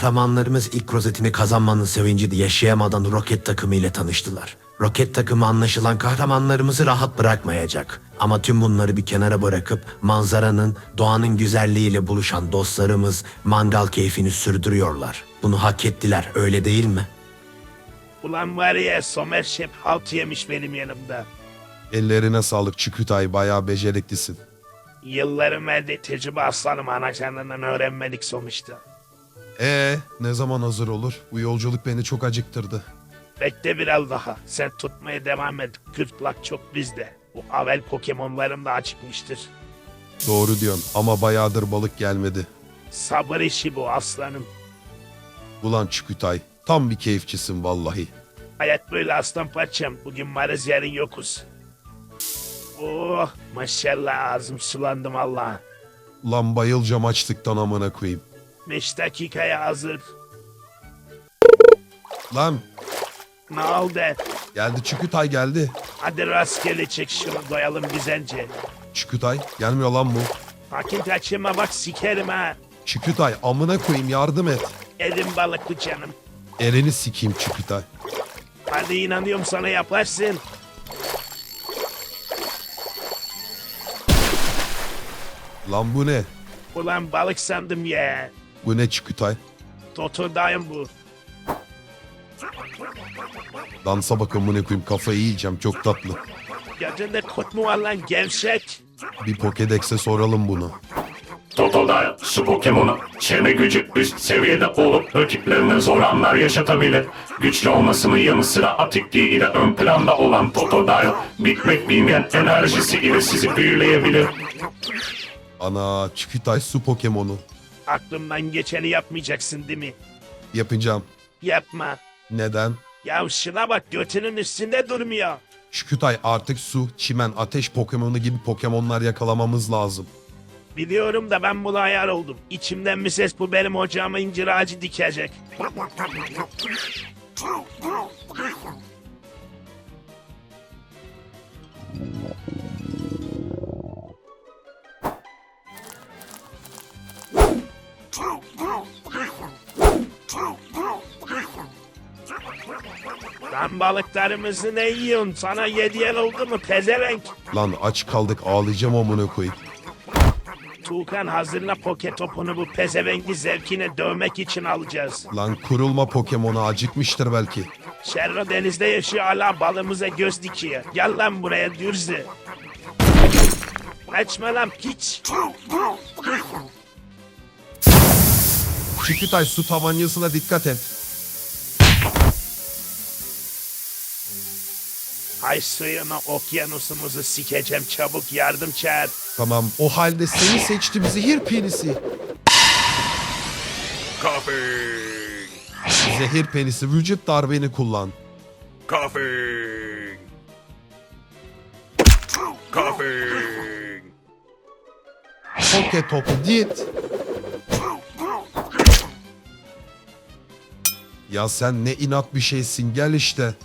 Kahramanlarımız ilk rozetini kazanmanın sevincini yaşayamadan roket takımı ile tanıştılar. Roket takımı anlaşılan kahramanlarımızı rahat bırakmayacak. Ama tüm bunları bir kenara bırakıp manzaranın, doğanın güzelliğiyle buluşan dostlarımız mangal keyfini sürdürüyorlar. Bunu hak ettiler, öyle değil mi? Ulan var ya, Somer Şef halt yemiş benim yanımda. Ellerine sağlık Çükütay, bayağı beceriklisin. Yıllarım elde tecrübe aslanım, anacanından öğrenmedik sonuçta. Ne zaman hazır olur? Bu yolculuk beni çok acıktırdı. Bekle biraz daha. Sen tutmaya devam et. Gırtlak çok bizde. Bu avel Pokemon'larım da acıkmıştır. Doğru diyorsun ama bayağıdır balık gelmedi. Sabır işi bu aslanım. Ulan Çükütay, tam bir keyifçisin vallahi. Hayat böyle aslan parçam. Bugün varız, yarın yokuz. Oh maşallah, ağzım sulandım Allah. Ulan bayılacağım açlıktan amına koyayım. 5 dakikaya hazır. Lan Ne oldu? geldi Çükütay geldi. Hadi rastgele çek şunu, doyalım güzelce. Çükütay gelmiyor lan bu. Hakim kaçırma bak, sikerim ha. Çükütay amına koyayım yardım et. Elim balıklı canım. Elini sikeyim Çükütay. Hadi inanıyorum sana, yaparsın. Lan bu ne? Ulan balık sandım ya. Bu ne Çükütay? Totodayım bu. Dansa bakın amına koyayım, kafayı yiyeceğim, çok tatlı. Gözünde kurt mu var lan gevşek? Bir Pokédex'e soralım bunu. Totodile, su Pokemon'u çevre gücü üst seviyede olup rakiplerine zor anlar yaşatabilir. Güçlü olmasının yanı sıra atikliği ile ön planda olan Totodile, bitmek bilmeyen enerjisi ile sizi büyüleyebilir. Ana, Çükütay su Pokemon'u. Aklımdan geçeni yapmayacaksın değil mi? Yapacağım. Yapma. Neden? Ya şuna bak, götünün üstünde durmuyor. Çükütay, artık su, çimen, ateş Pokemon'u gibi Pokemon'lar yakalamamız lazım. Biliyorum da ben buna ayar oldum. İçimden bir ses, bu benim ocağıma incir ağacı dikecek. Lan balıklarımızı ne yiyorsun? Sana yediyen oldu mu pezevenk? Lan aç kaldık, ağlayacağım amına koyayım. Tuğkan hazırla poke topunu, bu pezevenki zevkine dövmek için alacağız. Lan kurulma Pokemon'u, acıkmıştır belki. Şerro denizde yaşıyor, hala balımıza göz dikiyor. Gel lan buraya dürzü. Kaçma lan piç. Çükütay, su tabancasına dikkat et. Ay suyunu, okyanusumuzu sikeceğim, çabuk yardım çağır. Tamam, o halde seni seçtim zehir penisi. Coughing! Zehir penisi, vücut darbeni kullan. Coughing! Coughing! Poke topu git. Ya sen ne inat bir şeysin, gel işte.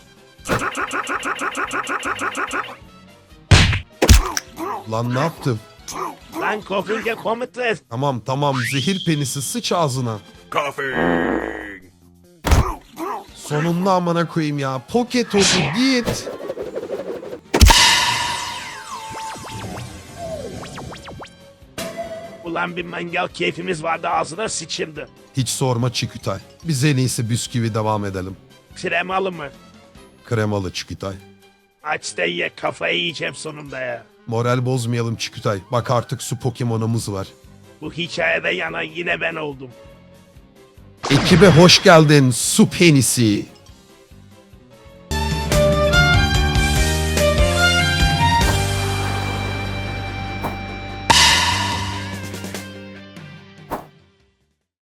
Lan ne yaptım? Lan Kofinge komutan. Tamam, zehir penisi, sıç ağzına. Coughing! Sonunda amına koyayım ya. Poke topu git. Ulan bir mangal keyfimiz vardı, ağzına sıçıldı. Hiç sorma Çikütay. Biz en iyisi bisküvi devam edelim. Kremalı mı? Kremalı Çikütay. Aç da ye, kafayı yiyeceğim sonunda ya. Moral bozmayalım Çikütay. Bak artık su Pokemon'umuz var. Bu hikayede yanan yine ben oldum. Ekibe hoş geldin su penisi.